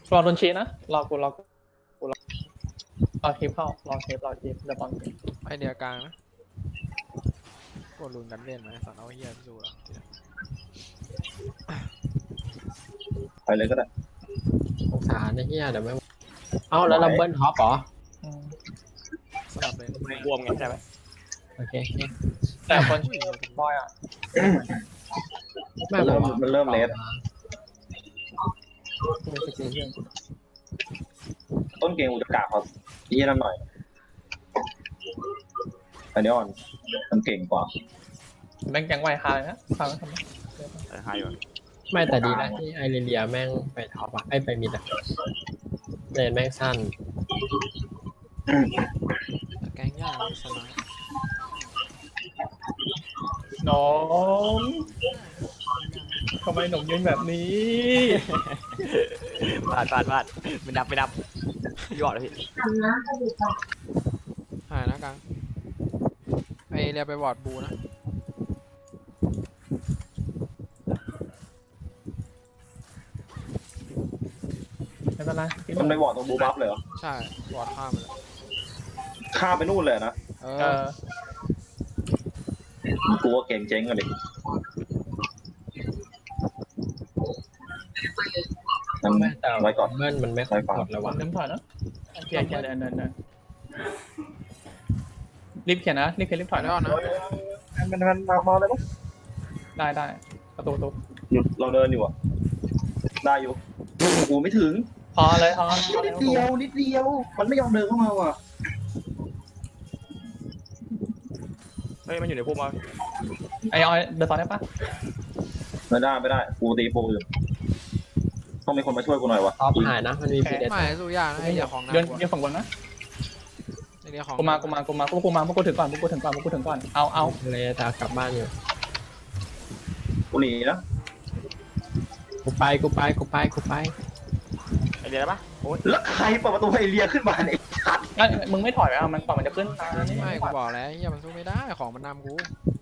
รอโดนชี้นะรอกูรอคลิปเข้ารอคลิปเดี๋ยวบอลไอเดียกลางนะกดลุนกันเล่นไหมสัตว์เอาเฮียสู้หรอไปเลยก็ได้สงสารไอ้เหี้ยเดี๋ยวไม่เอ้าแล้วเราเบิ้ลท็อปเหรอสลับเลยบวมไงใช่ไหมโอเคแต่คนบอยอ่ะไม่บอกว่ามันเริ่มเลสมีสกิลเพื่อนต้นเกมกูจะกะเขายี่นั่นหน่อยอันนี้อ่อนมันเก่งกว่าแบงค์ยังไหวคาเลยนะฟังทำไมหายอยู่ไม่แต่ดีนะที่ไอเรียแม่งไปท็อปอะไอไปมิดอะเลนแม่งสั้นแกงยากสมัยน้องทำไมหนุ่มยืนแบบนี้พลาดไม่นับยอดเลยพี่หายนะกลางไอเรียไปวอร์ดบูนะไม่เป็นไรมันไปวอร์ดตรงบูบัฟเลยเหรอใช่วอร์ดข้ามไปเลยข้ามไปนู่นเลยนะเอเอออกูว่าเก่งเจ๊งกันดิมันไม่แต่ไว้ก่อนเบิ้ลมันไม่ค่อยกดแล้ววะเดินถอยนะเขียนเดินรีบเขียนนะรีบถถออย ยนะได้นะมันมาเลยปะได้ประตูหยุดเราเดินอยู่อ่ะได้อยู่กูไม่ถึงพอเลยพอนิดเดียวมันไม่ยอมเดินเข้ามาว่ะเฮ้ยมันอยู่ในพุ่มมาไอออยเดินต่อได้ปะไม่ได้กูตีโปรอยู่ต้องมีคนมาช่วยกูหน่อยวะท็อปหายนะมันมีพีเดสไม่สู้ยากนะไอเดียของเดินกว่าฝั่งบนนะไอเดียของกูมาพวกกูถึงก่อนเอาทะเลแต่กลับบ้านอยู่กูหนีนะกูไปไอเดียได้ปะโอ้ยแล้วใครเปิดประตูไอเรียขึ้นมาเนี่ยงั้นมึงไม่ถอยไปมันก่อนมันจะขึ้นตานี่ไม่กูบอกแล้วเฮียมันสู้ไม่ได้ของมันนำกู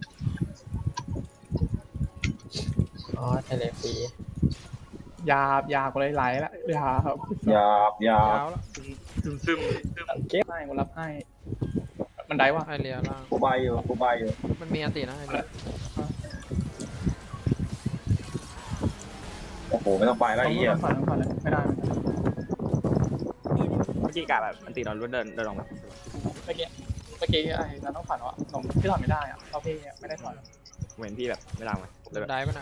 อ๋อทะเลฟรียากูเลยไหลละยาครับอย่ายาวแล้วซึมเก็บให้กูรับให้มันได้วะไอเดียล่างกูใบอยู่มันมีอันตินะไอเดียโอ้โหไม่ต้องไปแล้วไอ้เหี้ยต้องผ่อนเลยไม่ได้เมื่อกี้กะแบบมันตีนอนรุ่นเดินลงแบบเมื่อกี้ไอ้เราต้องผ่อนวะลงที่ถอนไม่ได้อะเราพี่ไม่ได้ถอนเหมือนพี่แบบไม่ลางเลยเลยแบบได้ปะนะ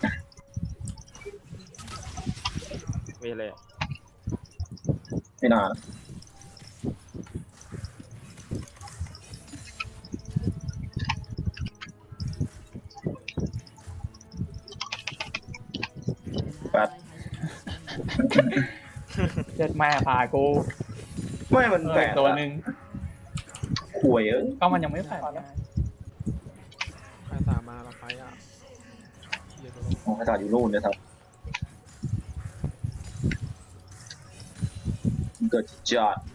ไม่เลยไม่นานแปดเจ็ดแม่พากูไม่มันแปดตัวหนึ่งป่วยเอ้ยก็มันยังไม่แฝงใครสามมาเราไฟอ่ะเฮียตัวลงของกระดาษอยู่นู่นนะครับเกิดจัด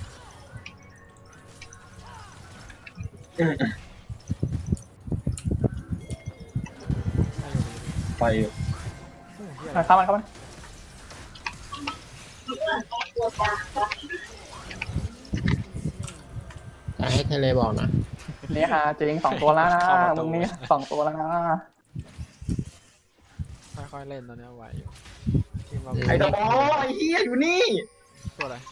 ไปอยู่เข้ามันจะให้ทะเลบอกนะนี่ฮะจริง2 ตัวแล้วนะมึงนี่2 ตัวแล้วนะค่อยๆเล่นตอนนี้ไหวอยู่ทีมเราไอ้ตะบอไอ้เหี้ยอยู่นี่ตัวอะไร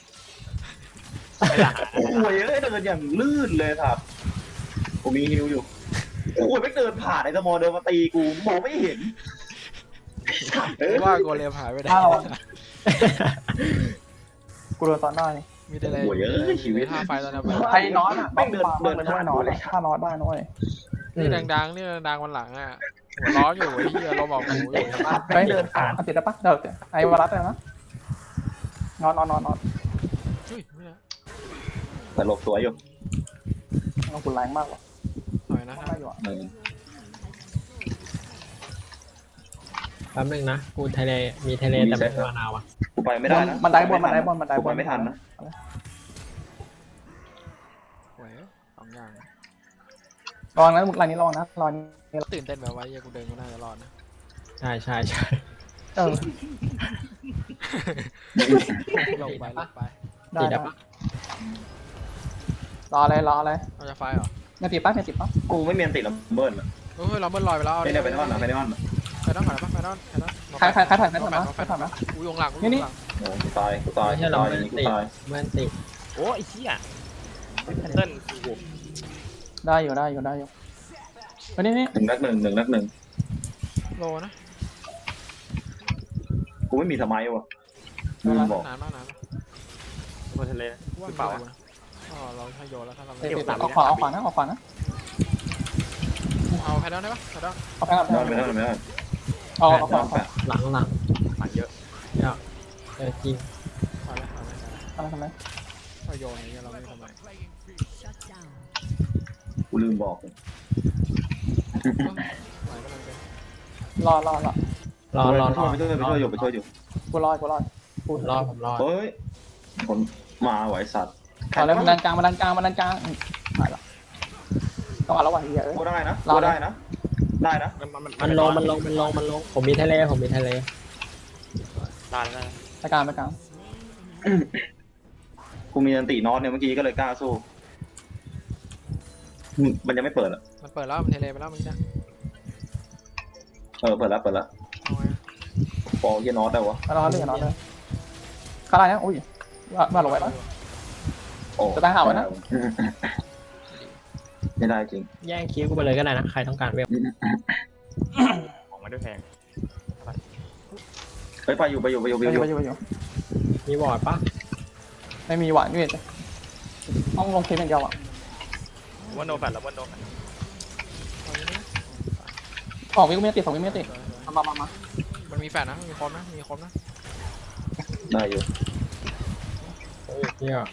ป่วยเอ้ยเดินอย่างลื่นเลยครับผมมีฮิวอยู่โอ้ยไม่เดินผ่านไอ้ตะบอเดินมาตีกูมองไม่เห็นเอ้ยว่าโกเลมหายไปไหนกูโดนซ้อนได้มีแต่อะไรป่วยเอ้ยชีวิตท่าไฟตอนนี้ไอ้น็อตอ่ะต้องมาเป็นด้วยน็อตถ้าน็อตได้น้อยนี่ดังๆนี่ดังวันหลังอ่ะหัวร้อนอยู่ไอ้เหี้ยลมออกหูอยู่ไปเดินผ่านติดได้ปะเดี๋ยวไอ้วารัสเลยนะน็อตอุ้ยไม่นะแต่หลบสวยอยู่เราคุณแรงมากว่ะหน่อยนะได้อยู่อ่ะแป๊บนึงนะ กูทะเลมีทะเลแต่ไม่มีมะนาวอะกูไปไม่ได้นะมันได้บนกูไปไม่ทันนะหวยสองอย่างรอนะรายนี้รอนะรอนี้ตื่นเต้นแบบว่าเหี้ยกูเดินกูน่าจะรอดนะใช่เออลงไปลงไปได้ตีได้ได้ปะรออะไรรออะไรเราจะไฟเหรอไม่ติดปะไม่ติดปะกูไม่มีอันติดลัมเบิร์นอะเฮ้ยเราเบิ้ลลอยไปแล้วไม่ได้ไปนอนอะไปนอนอะไปนอนก่อนปะไปนอนใครถ่ายใครถ่ายนะใครถ่ายนะกูยงหลังนี่โอ้กูตายกูตายไม่กูใช่เราตายเมื่อย่างนี้กูติดตายเมื่อติดโอ้ไอ้เหี้ยเติ้ลกูได้อยู่ได้อยู่ได้อยู่วันนี้นี่หนึ่งนักหนึ่งโลนะกูไม่มีสมัยว่ะลืมบอกนานมากนานบนทะเลนะว่าคือเปล่าอ๋อเราถ้าโยนแล้วถ้าเราติดเอาขวาเอาขวานะเอาขวานะเอาแพดดอนได้ปะแพดดอนเอาไปก่อนไม่นอนไม่นอนเอาแปเอาดขวานอนแปดหลังหลังเยอะจริงไปเลยอะไรทำไมถ้าโยนอย่างเงี้ยเราไม่ทำไมกูลืมบอกไหวก็มันเป็นรอรอไปช่วยอยู่กูรอกูผมรอเฮ้ยคนมาไหวสัตว์เอาเลยมันดันกลางถ่ายละต้องเอาแล้วว่ะเฮียเอ้ยกูได้นะกูได้นะได้นะมันลงผมมีทะเลได้แล้วไปกลางไปกลางกูมีอันตินอตเนี่ยเมื่อกี้ก็เลยกล้าสู้มันยังไม่เปิดอ่ะมันเปิดแล้วมันเทเลไปแล้วเมื่อกี้นะเปิดแล้วเอาไงปอเยนอตได้วะรอเลยข้าไรนะอุ้ยว่าลงไปแล้วโอ้จะได้หาไว้นะไม่ได้จริงแย่งคิวกูไปเลยก็ได้นะใครต้องการเวลของมาด้วยแพงเฮ้ยไปอยู่ไปอยู่มีบอร์ดปะไม่มีหวานด้วยต้องลงเคสอย่างเดียวอ่ะว่าโนแฟตแล้วว่าโนแฟตเอาอย่างนี้ 2 วิไม่ติด2 วิไม่ติดมามันมีแฟดนะมีคมนะมีคมนะได้อยู่โอ้ยเหี้ย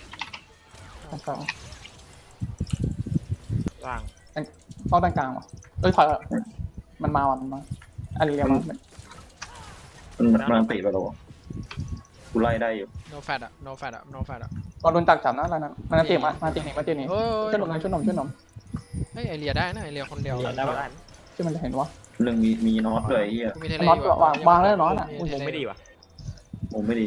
ล่างต้องดันกลางว่ะเอ้ยถอยมันมาอันนี้เรียกมามันติดไปแล้วกูไล่ได้อยู่โนแฟดอะโนแฟดอะโนแฟดอะตอนโดนตักจับนะอะไรนั้นมันเตะมาเตะนี่เฮ้ยช่วยหนมเฮ้ยไอเรียได้นะไอเรียคนเดียวได้ปะที่มันจะเห็นวะหนึ่งมีนอตด้วยเฮียกูมีเทเลน็อตวางแล้วน็อตอ่ะมุมไม่ดีว่ะมุมไม่ดี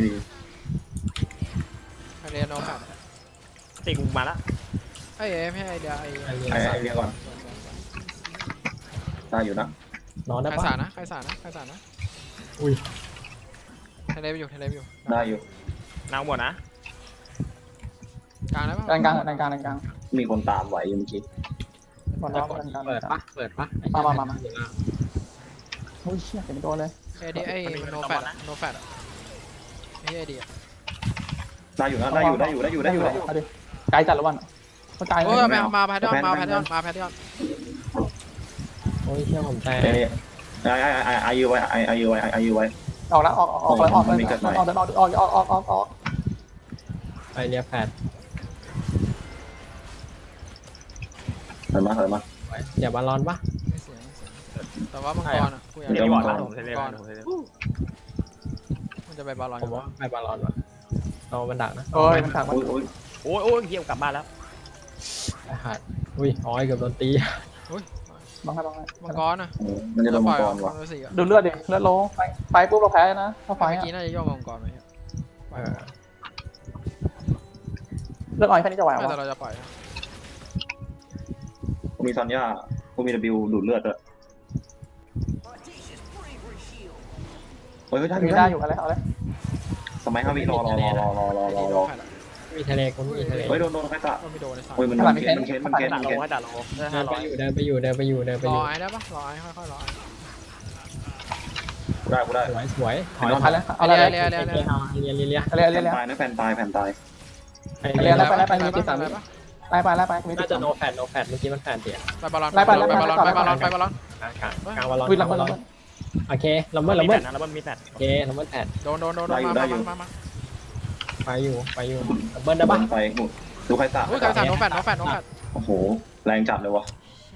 ไอเรียโนแฟดตีกูมาละไอเอฟให้ไอเดียไอไอ้เรียก่อนได้อยู่นะนอนได้ใครปะสานะใครสานะอุ้ยเทเลไปอยู่ได้อยู่นางหมดนะกลางได้ปะดันกลางมีคนตามไหวอยู่เมื่อกี้หมดแล้วดันกลางเปิดปะมาโอ้ยเชี่ยเห็นตัวเลยไอเดียไอโนแฟดอะโนแฟดอะไอเดียได้อยู่นะได้อยู่ไกลจัดแล้ววันก็ไกลโอ้ยมาแพดดอนมาแพดดอนโอ้ยเชี่ยผมแตกไอยูไว้ออกแล้วออกเลยออกไปเรียแฟดถอยมาเดี๋ยวบอลลอนปะไม่เสียแต่ว่ามังกรอะกูอยากเดี๋ได้ยวมับงอกกนะรผมเทเลผมเทเลมันจะไปบอลลอนผมว่าไปบอลลอนวะเอามันดักนะโอ้ยมันถักมันโอ้ยโอ้ยเยี่ยมกลับบ้านแล้วไปขาดอุ้ยอ๋อยเกือบโดนตีบังให้มังกรอะมันจะโดนมังกรวะดูเลือดดิเลือดโลไปปุ๊บเราแพ้นะถ้าไฟเมื่อกี้น่าจะย่อมังกรไหมเลือดอ่อยแค่นี้จะไหวไม่วะแต่เราจะปล่อยกูมีซอนย่ากูมี W ดูดเลือดด้วยเฮ้ยได้อยู่อะไรเอาเลยสมัย5 วิรอมีทะเลกูมีทะเลเฮ้ยโดนใครตะก็ไม่โดนในสามเฮ้ยมันเค้นด่าโลให้ด่าโลเดินไปอยู่รอไอ้ได้ปะรอไอ้ค่อยๆรอไอ้กูได้สวยถอยเอาเลยเอาเลยเลียแผ่นตายไปมีติด3วิไปมีน่าติดจะโนแฟดเมื่อกี้มันแฟดเดียไปบอลลอนไปบอลลอนกลางบอลลอนวิ่งละเมิดโอเคละเมิดมีแฟดนะแล้วมันมีแฟดโอเคละเมิดแฟดโดนมาไปอยู่เบิ้ลได้ปะไปดูใครตะอุ้ยใครสาดโนแฟดโอ้โหแรงจัดเลยวะ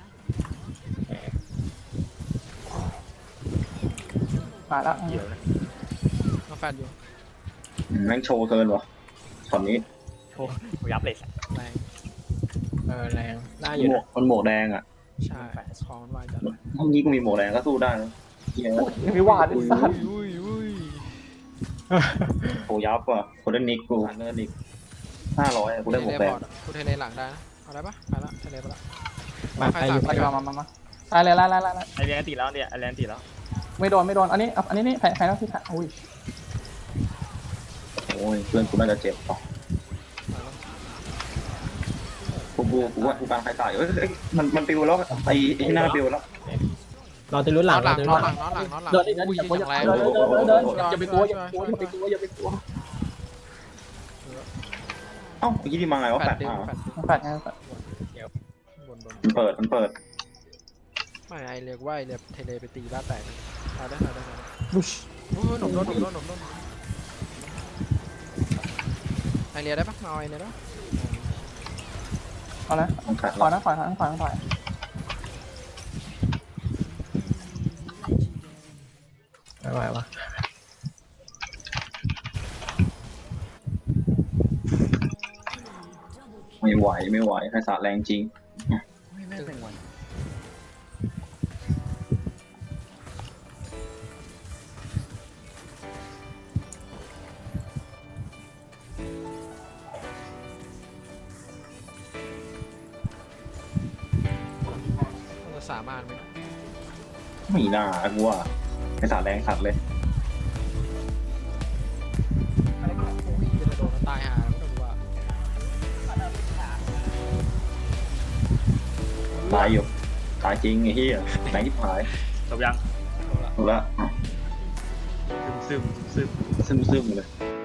มาแล้วเกี่ยวนะโนแฟดอยู่แม่งโชว์เกินวะตอนนี้กูยับเลยแรงแรงได้อยู่มันหมวกแดงอ่ะใช่ของมันวายจัดเมื่อกี้กูมีหมวกแดงก็สู้ได้เฮียมีหวานดิสัตว์อุ้ยโหยับว่ะโคเดนนิกกูเงินอีก500กูได้หมวกแดงกูเทเลหลังได้นะเอาได้ปะไปละเทเลไปละมาไปอยู่มาดีกว่ามาตายเลยไล่ไอเรียนตีแล้วเนี่ยไอเรียนตีแล้วไม่โดนอันนี้นี่แพ้แล้วที่แพ้อุ้ยโอ้ยเพื่อนกูน่าจะเจ็บป่ะกูว่ากูกลางใครตายมันปิวแล้วไอ้หน้าปิวแล้วรอติลุ้นหลังหลังตินลุ้อนนหหลัลังงนอนหลังนอนหลังเดินอุ้ยอย่าอย่างแรงอย่าไปกลัวอย่าไปกลัวเอ้าเมื่อกี้ที่มาไงวะแฟแปดดเดียวอ่ะแฟดแฟดไงแฟดบนมันเปิดไม่ไอเรียกว่าไอเรียเทเลไปตีบ้านแตกเอาได้บุชโอ้ยหนุ่มโดนไอเรียได้ปะมาไอเรียได้ปะเอาละต้องขัดถอยนะถอยไม่ไหววะไม่ไหวใครสาแรงจริงมันจะสามารถไหมไม่น่ากูว่าใครสาแรงสัตว์เลยอุ้ยจะโดนตายหาไม่ต้องว่าตายอยู่ตายจริงไอ้เหี้ยแรงที่หายจบยังถูกละซึมซึมเลย